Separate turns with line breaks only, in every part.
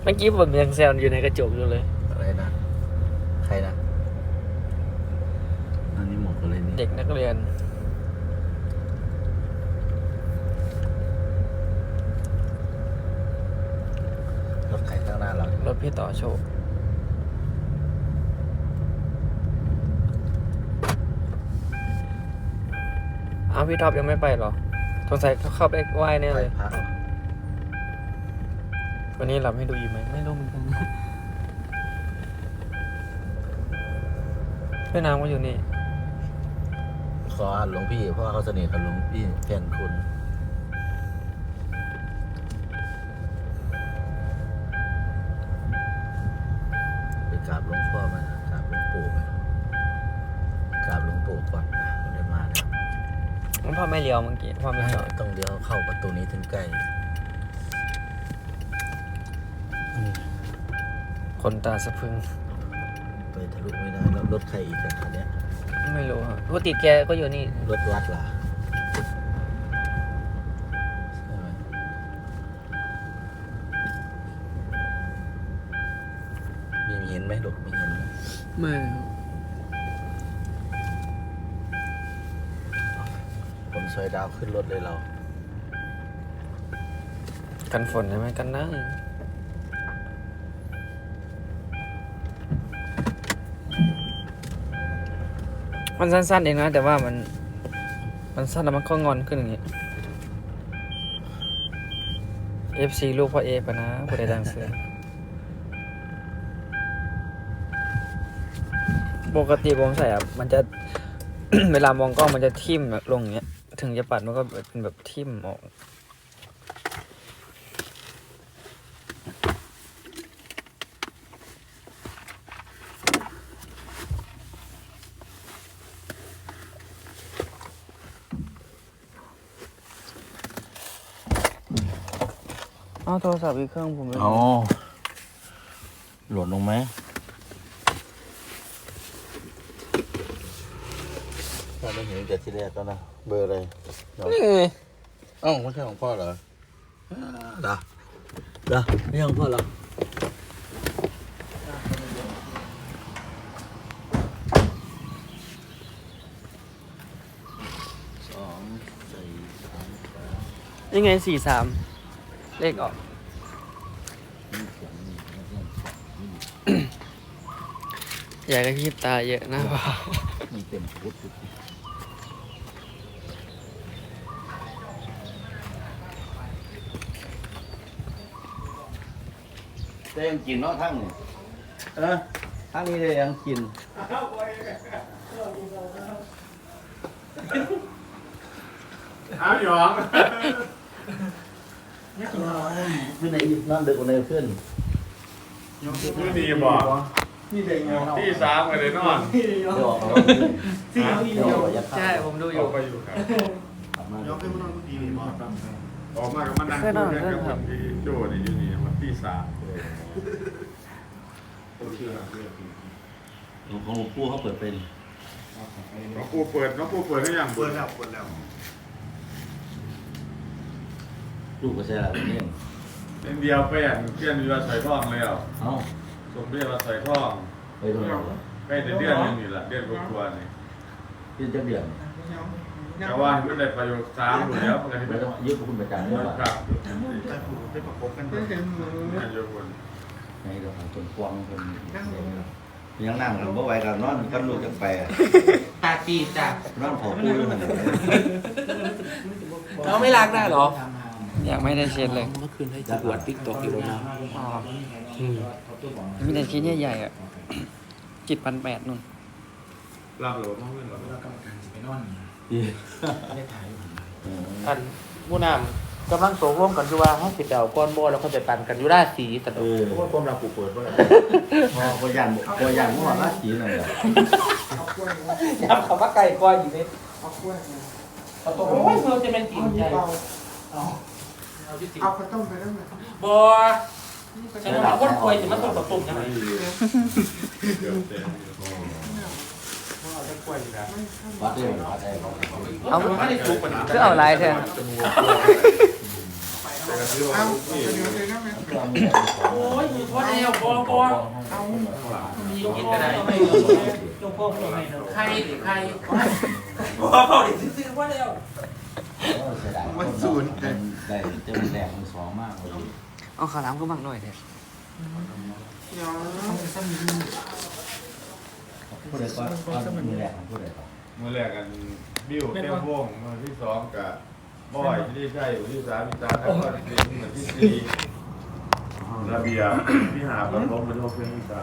มื่อกี้ผมยังแซวอยู่ในกระจกอยู่เลย
อะไรนะใครนะอันนี้หมดเลยนี่
เด็กนักเรียน
รถใครข้างหน้าเรา
รถพี่ต่อโชคอ้าวพี่ท็อปยังไม่ไปหรอสงสัยเขาเข้าไปไหว้แน่เลยวันนี้หลับให้ดูอีกไหมไม่รู้เหมือนกันพี่น้ำก็อยู่นี่
ขอหลวงพี่เพราะว่าเขาสนิทกับหลวงพี่แฟนคุณไปกราบหลวงพ่อมากราบหลวงปู่ไปกราบหลวงปู่ก่อนนะเดินมาเนี่ย
พ่อไม่เลี้ยวเมื่อกี้พ่อไม่เลี้ยว
ต้องเลี้ยวเข้าประตูนี้ถึงใกล้
คนตาสะพึง
ไปทะลุไม่ได้แล้วรถใครอีกคันนี้
ไม่รู้ครับปกติแกก็อยู่นี่
รถวัดล่ะใช่ไหมมีเห็นไหมลูกมีเห็นไหม
ไม่
ผมซอยดาวขึ้นรถเลยเรา
กันฝนใช่ไหมกันนะมันสั้นๆเองนะแต่ว่ามันสั้นแล้วมันก็งอนขึ้นอย่างนี้ FC ลูกพ่อเอปะนะผู้ใดดังเสือปกติผมใส่อ่ะมันจะ เวลามองกล้องมันจะทิ่มแบบลงอย่างเงี้ยถึงจะปัดมันก็เป็นแบบทิ่มออกโทรศัพท์อีกเครื่องผมเลย
อ๋อหล่นลงไหมเราไม่เห็นแต่ที่แรกแล้วนะเบอร์อะไร
นี่ไง
ไม่ใช่ของพ่อเหรอไม่ใช่ของพ่อเหรอ
นี่ไง43เลขออกอยากกระพริบตาเยอะนะพ่อ
มันเต็มชุดแต่ยังกินเนาะทั้งนี่ทั้งนี้เลยยังกิน
เอาหยอง
เพื่อนในนั่นเด็กคนในเพื่อน
นี่ดีบอก
นี่เด็กเงา
ที่3กันเลยนอน
ใช่ผมดูอยู่
ไปอยู่ครับ
ยกขึ้นมานอนดีๆบอก
ออกมากับมันนั่งคุยกันกับคนที่โจ้นี่อยู่นี่มันที่3
หลวงพ่อปู่เขาเปิดเป็น
น้องปูเปิดได้ยัง
เปิดแล้วลูกก็ใช่ละแบบนี้
เป็นเดียวไปอ่ะเพื่อนอยู่ว่าใส่ท่องแล้วสมเด็จว่าใส่ท่อง
ไปตรงไหน
ใกล้จะเดือนนึงนี่แหละเดือนกว่านี่
เดือนจะเดือน
แต่ว่าไม่ได้ประโยชน์3อยู่แล้วมันก็
ไม่ต้องยืดคุณประจานด้วย
ครับ
ไปประกบกัน
ไม่โยน
ในเราของคนกวางคนยังนั่งกันบ่ไหวกันนอนกันลูกจังไป
ตาจีจ้ะ
นอนขอพูดด้วยมัน
เราไม่ล้างได้หรออยากไม่ได้เช็ดเลย
เมื่อคืนให้ปวดติ๊กตอกอยู่แล้วนะ
มีแต่ชิ้นใหญ่ๆอ่ะจิต1,800นู่น
รับหรือว่าไม่รับ
แล้วกรรมการจะไปนอนได้ถ่าย
อันผู้นำกำลังโศกร่วมกันอยู่ว่าเขาติดเดาก้อนโบแล้วเขาจะตันกันอยู่ได้สีแต่
เพราะว่าความรักผูกเปิดว่าพอยันเมื่อวานราศีอะไร
ย้ำคำว่าไก่ก้อยอยู่นี่เอาตัวโอ้ยเพื่อจะเป็นกินใจ
เอาข้าวต้มไปได้ไหม
บัวฉันว่าคนป่วยจะมาต้มกับตุ่มยังไง
วัดได้
เอาคือเอาลายแทน
แต่ก็ซื้อว่าพี่
โอ้ยพอแล้วพอเอามีกินก็ได้จงพ่อพ่อให้ใครหรือใครพ่อดิซื้อว่าแล้ว
มันศูนย์ได้เต็มแดงมือสองมากเลย
เอาขาล้ำก็บังหน่อยเถอะ
พูดเลยก็มือแรกพูดเลยก็
เมื่อแรกกันบิ้วแก้ววงมือที่สองกับบอยที่ได้ใช่ที่สามที่แล้วก็ที่ที่สี่ระเบียบที่หาประทมมันโอเคที่สาม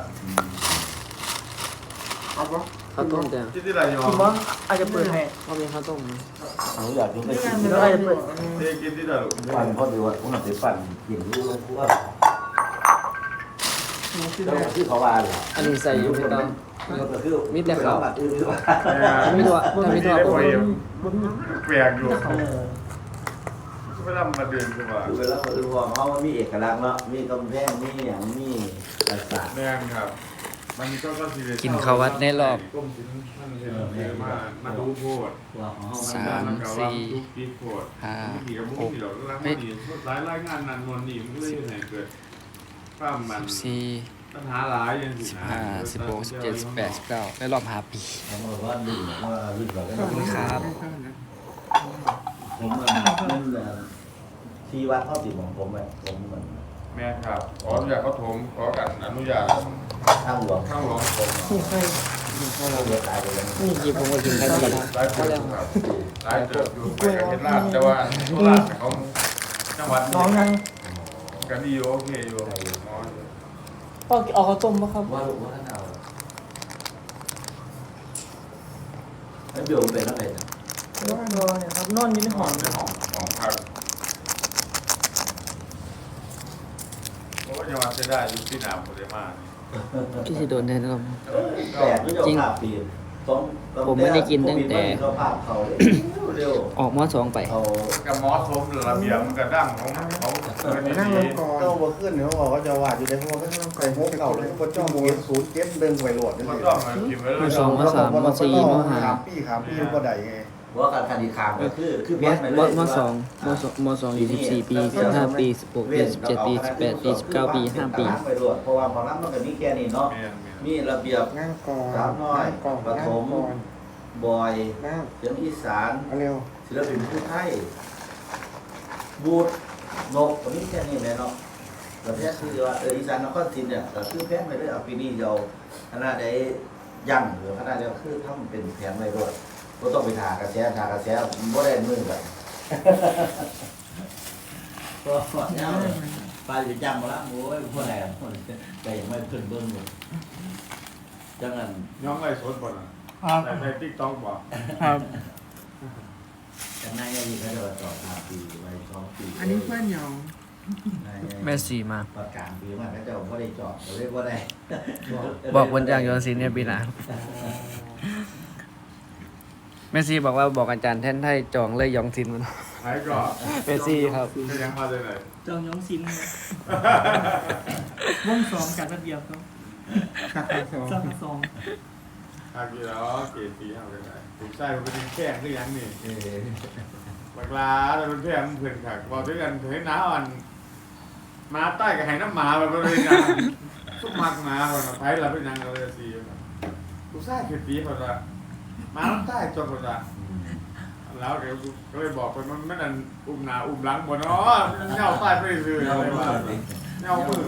ข้าวต้มจ้ะ
ที่ไรยอม
อาจจะเปิดให้เรามีข้าวต้ม
หนูอยากกินไปกิน
แล้วอาจจะเปิด
เทกินที่ไหน
ปั่นพอดีว่าผมหัดไปปั่นกินรู้ว่าพวกแล้วที่เขาว่าเลย
อันนี้ใส่อยู่ไม่ต้อง
ก็คือมีแต่เขาบัดอื่นหรือว่า
ไม่ตัวแต่ไม่ตัว
แปลกอยู่เวลามาเดินคือว่า
เวลาเขาดูว่าเขามีเอกลักษณ์เนาะมีกำแพงมีอย่างมีภาษา
แม่นครับมันก็
กินข้าววัดในรอบ
ก้มชิ้นมันเห็นมาดูโพด
ว่าของเขา
สามสี่ห้าหก
เฮ้ยรายงานนันนวลนี่มันก็เลยไหนเกิดความมัน
สี่
ปัญหาหลายอย่างสิ
15 16 17 18 19ในรอบ5 ปี
เขาบอกว่าดึงว่าดึงแบบ
ขอบคุณครับ
ผมมันที่วัดข้อติดของผมเลยผมมัน
แม่ครับขออนุญาตเขาถมขอกันอนุญาต
ข้างหลวง
ข้างหลวงผม
เราเดือดตายไปแล้ว
นี่กี่ผมก็กินได้ดีนะ
หลายคนครับหลายเติบอยู่ไปกับเฮ็ดลาดแต่ว่าโคราชเขาจังหวัดนี้กันดีโอเคอยู่
พ่อเอาข้าวต้มป่ะครับ
ว่าลูกว่าท่านเอาแล้วเดี๋ยวเป็นอะไร
นอนครับนอนอยู่ในห้อง
ในของพักเพราะว่าจังหวัดจะได้อยู่ที่หนามโมเดมา
พี่สิโดนแน่นอน
แต่ไม่ยอมภาพปีน
ผมไม่ได้กินตั้งแต่
เขาภาพเขาเร็ว
ออกม2ไป
เขา
กับมอสสมระเบียบมันกระดั้งของเขานั่งลงก่อน
ก็บ่ขึ้นเขาบอกว่าจะวาดอยู่ในพวกก็ต้องไปพวกเก่าเลยพวกจ้องโมศูนย์เจ็ดเดินไปโหลดนี่
มัน
สิ
ต้องมาพิมพ์ไว้เลย
สองมาสามมาสี่มาห้า
ขามปีก็ได้ไง
ว่าการคดีขามก็คือแพ้ไปเลย
ม2อยู่14 ปี15 ปี 16 ปี 17 ปี 18 ปี 19 ปี 5 ปี
ไปโหลดเพราะว่าพอรับมันก็มีแค่นี้เนาะมีระเบียบ
นั่งก่อน
สาวน้อย
ก่อน
ปฐม บอย
นั่ง
เสียงอีสาน
เอาเร็ว
ศิลปินผู้ไทยบูดนกวันนี้แค่นี้แหละเนาะแต่แท้คือว่าอีสานนครศรีเนี่ยก็คือแพ้ไปเลยเอาปีนี้เราคณะใดยั่งหรือคณะเดียวคือทำเป็นแผนไว้ด้วยก็ต้องไปหากระแสบ่ได้มือแบบก็เนี่ยไปจะจำมาละโอ้ยพวกไหนแต่ยังไม่ขึ้นเบิ้งเลยจังนั้น
น้องไรสดบ่นะในติ๊กต็อกบ่
ครับ
จังนั้นยังมีแค่เดือน2 ปีไว้2 ปี
อันนี้เพื่อนยอง
แม่สีมา
ประกาศปีมันก็จะไม่ได้จอดเรียกว่าได้
บอกวันจ้างยอนศิลป์เนี่ยปีหน้าแม่ซีบอกว่าบอกอาจารย์แท่นไทยจองเลยยองศิลป์มัน
หายก็
แม่ซีครับ
จะยังมาได้ไหน
จองย้องซินวงสองกันระเบียบครับ
ขัดสอง
สองสอง
หากอยู่แล้วเกตปีเอาได้ไหนผมใช่มันเป็นแข้งหรือยังนี่บักลาแต่เป็นแข้งเพื่อนค่ะบอกด้วยกันเห็นน้าอ่อนมาใต้กับไห้น้ำหมาแบบเลยนะทุกมักหมาคนไผ่เราเป็นยังเลยสิกูใช่เกตปีคนละมาใต้จนคนละแล้วเดี๋ยวก็เลยบอกไปมันไม่นั่นอุ้มหนาอุ้มหลังหมดเนาะเน่าใต้ไปเลยอะไรวะเน่ามือ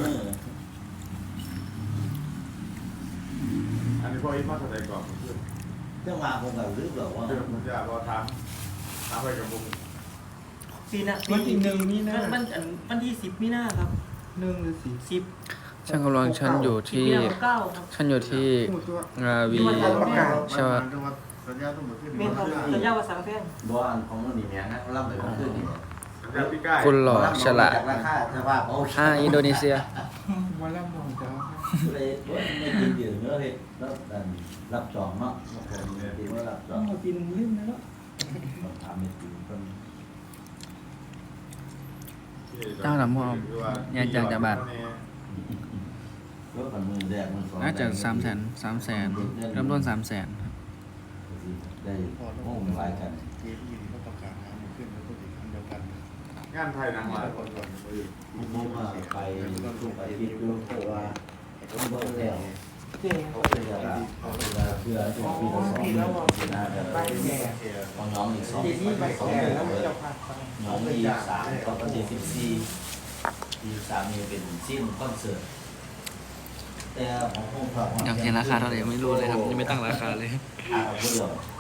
อันนี้พออีกมาแสดงก่อน
เรื่องมาคงแบบรึกหรอว่า
เดี๋ยวผมจะรอถามไปกับบุ้ง
ปีน่ะวันที่1มีนาวันที่10มีนาครับ1หรือ10
ช่างกำลังฉันอยู่ที่
9ครับ
ฉันอยู่ที่
พูดตัว
ราวี
ประกาศ
ใช่ป่ะ
สัญญาต้องหมดขึ้น
แม่นครับสัญญาว่าสังแพง
บ้านของมันนี่แม่นะล่ำไปขึ้นนี่
สัญญาพี่ก้าย
คุณหล่อฉลาด
จากราคาสภาพโอเค
อินโดนีเซีย
วันละมองจ้า
เลยไม่กินเดือดเนื้อเลยแล้วรับจองเนาะคนดีว่ารับจอง
เอาปีนึงลืมแล้ว
ถามไม่ถึงคน
เจ้าหน้ำหอมยายจากบาท
รถกันมือแดงมือสอง
น่าจะ300,000เริ่มต้น300,000
ได้โอ้หลายกัน
ทีที่เขาประกาศหาหมดขึ้นแล้วก็ติดอันเดียวกัน
งงานไทยนางหลายคนก่อน
ผมว่าไปทุกอาทิตย์ดูเพราะว่าต้องเบิ่งแล้วเขาเพื่อปีละ2ปีน่าจะของน้องอีก2
ทีนี้ไปแก่แล้วจะพาไป
น้องมี3ก็ประเทศ14ปี3นี่เป็นสิ้นคอนเสิร์ตแต่ของผม
อยากเห็นราคาเท่าไหร่ยังไม่รู้เลยครับยังไม่ตั้งราคาเลย
เรื่อง